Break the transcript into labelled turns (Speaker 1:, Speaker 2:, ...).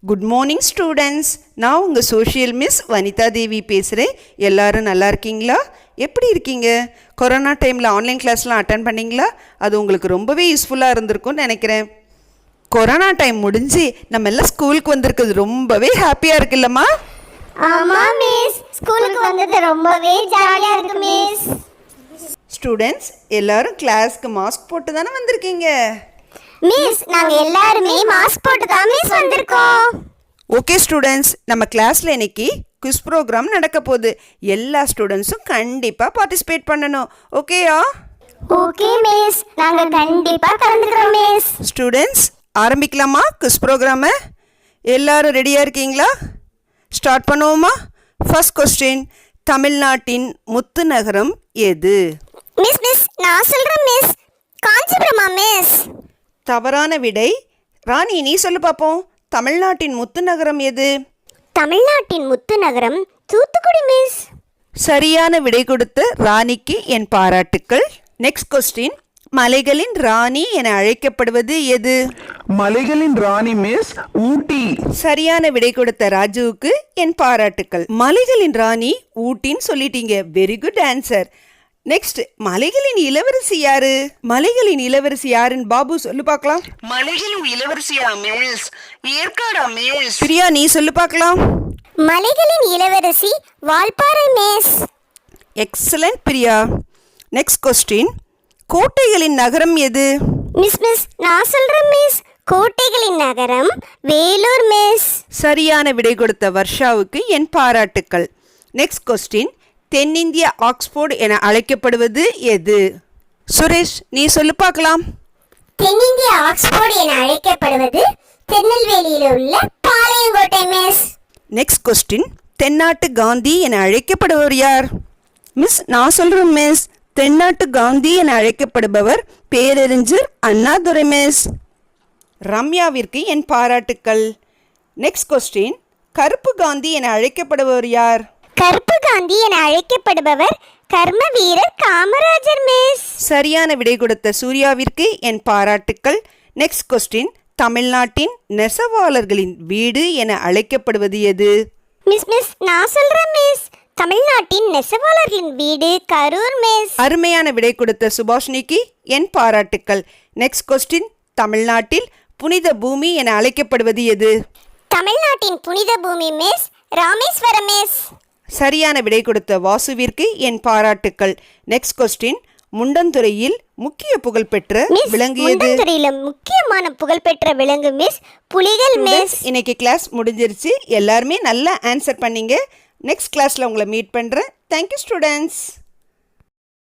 Speaker 1: Good morning students. நான் உங்கள் social miss Vanitha தேவி பேசுகிறேன். எல்லோரும் நல்லா இருக்கீங்களா? எப்படி இருக்கீங்க? கொரோனா டைமில் ஆன்லைன் கிளாஸ்லாம் அட்டன் பண்ணிங்களா? அது உங்களுக்கு ரொம்பவே யூஸ்ஃபுல்லாக இருந்திருக்கும்னு நினைக்கிறேன். கொரோனா டைம் முடிஞ்சு நம்ம எல்லாம் ஸ்கூலுக்கு வந்திருக்கிறது ரொம்பவே ஹாப்பியாக இருக்குல்லம்மா?
Speaker 2: ஆமா மிஸ், ஸ்கூலுக்கு வந்தது ரொம்பவே ஜாலியா இருக்கு மிஸ்.
Speaker 1: ஸ்டூடெண்ட்ஸ் எல்லாரும் கிளாஸ்க்கு மாஸ்க் போட்டு தானே வந்திருக்கீங்க?
Speaker 2: மிஸ், நாங்க எல்லாரும் மாஸ்க் போட்டு தான் மிஸ் வந்திருக்கோம்.
Speaker 1: ஓகே ஸ்டூடெண்ட்ஸ், நம்ம கிளாஸில் இன்னைக்கு குவிஸ் ப்ரோக்ராம் நடக்க போகுது. எல்லா ஸ்டூடெண்ட்ஸும் கண்டிப்பாக பார்ட்டிசிபேட் பண்ணணும். ஓகேயா?
Speaker 2: ஓகே மிஸ், நாங்க கண்டிப்பா கலந்துக்கிறோம் மிஸ்.
Speaker 1: ஸ்டூடெண்ட்ஸ் ஆரம்பிக்கலாமா குவிஸ் ப்ரோக்ராமை? எல்லாரும் ரெடியாக இருக்கீங்களா? ஸ்டார்ட் பண்ணுவோமா? ஃபர்ஸ்ட் கொஸ்டின், தமிழ்நாட்டின் முத்து நகரம் எது?
Speaker 2: மிஸ் நான் சொல்றேன் மிஸ், காஞ்சிபுரமா மிஸ்?
Speaker 1: தவறான விடை. ராணி நீ சொல்லு பார்ப்போம், தமிழ்நாட்டின் முத்து நகரம் எது?
Speaker 2: தமிழ்நாட்டின் முத்து நகரம் தூத்துக்குடி மிஸ்.
Speaker 1: சரியான விடை கொடுத்த ராணிக்கு என் பாராட்டுக்கள். நெக்ஸ்ட் கொஸ்டின், மலைகளின் ராணி என அழைக்கப்படுவது எது?
Speaker 3: மலைகளின் ராணி மிஸ் ஊட்டி.
Speaker 1: சரியான விடை கொடுத்த ராஜுவுக்கு என் பாராட்டுக்கள். மலைகளின் ராணி ஊட்டின்னு சொல்லிட்டீங்க. Very good answer. நெக்ஸ்ட், மலைகளின் இளவரசி யாரு? மலைகளின் இளவரசி யாருன்னு பாபு சொல்லு பார்க்கலாம்.
Speaker 4: மலைகளின் இளவரசியா மிஸ்? ஏற்காடா மிஸ்?
Speaker 1: பிரியா நீ சொல்லு பார்க்கலாம்.
Speaker 2: மலைகளின் இளவரசி Valparai miss.
Speaker 1: Excellent Priya. Next question, கோட்டைகளின் நகரம் எது?
Speaker 2: மிஸ் நான் சொல்றேன் மிஸ், கோட்டைகளின் நகரம் வேலூர் மிஸ்.
Speaker 1: சரியான விடை கொடுத்த வர்ஷாவுக்கு என் பாராட்டுக்கள். நெக்ஸ்ட் கொஸ்டின், தென்னிந்திய ஆக்ஸ்போர்ட் என அழைக்கப்படுவது எது? சுரேஷ் நீ சொல்லு பார்க்கலாம்.
Speaker 2: தென்னிந்திய ஆக்ஸ்போர்ட் என அழைக்கப்படுவது திருநெல்வேலியில் உள்ள பாளையங்கோட்டை மிஸ்.
Speaker 1: நெக்ஸ்ட் கொஸ்டின், தென்னாட்டு காந்தி என அழைக்கப்படுபவர் யார்? மிஸ் நான் சொல்றேன் மிஸ், தென்னாட்டு காந்தி என அழைக்கப்படுபவர் பேரறிஞர் அண்ணாதுரை மிஸ். ரம்யாவிற்கு என் பாராட்டுக்கள். நெக்ஸ்ட் கொஸ்டின், கருப்பு காந்தி என அழைக்கப்படுபவர் யார்?
Speaker 2: கருப்பு காந்தி என அழைக்கப்படுபவர் கர்ம வீரர் காமராஜர் மிஸ்.
Speaker 1: சரியான விடை கொடுத்த சூர்யாவிற்கு என் பாராட்டுக்கள். நெக்ஸ்ட் கொஸ்டின், தமிழ்நாட்டின் நெசவாளர்களின் வீடு என அழைக்கப்படுவது எது?
Speaker 2: மிஸ் நான் சொல்றேன் மிஸ், தமிழ்நாட்டின் நெசவாளர்களின் வீடு கரூர் மிஸ்.
Speaker 1: அருமையான விடை கொடுத்த சுபாஷினிக்கு என் பாராட்டுக்கள். நெக்ஸ்ட் கொஸ்டின், தமிழ்நாட்டில் புனித பூமி என அழைக்கப்படுவது எது?
Speaker 2: தமிழ்நாட்டின் புனித பூமி மிஸ் ராமேஸ்வரம் மிஸ்.
Speaker 1: சரியான விடை கொடுத்த வாசுவிற்கு என் பாராட்டுக்கள். நெக்ஸ்ட் கொஸ்டின், முண்டந்துறையில் முக்கிய புகழ்பெற்ற விலங்கு எது?
Speaker 2: முண்டந்துறையில முக்கியமான புகழ்பெற்ற விலங்கு மிஸ் புலிகள் மிஸ்.
Speaker 1: இன்னைக்கு கிளாஸ் முடிஞ்சிருச்சு. எல்லாருமே நல்லா ஆன்சர் பண்ணீங்க. நெக்ஸ்ட் கிளாஸ்ல உங்களை மீட் பண்றேன். Thank you students.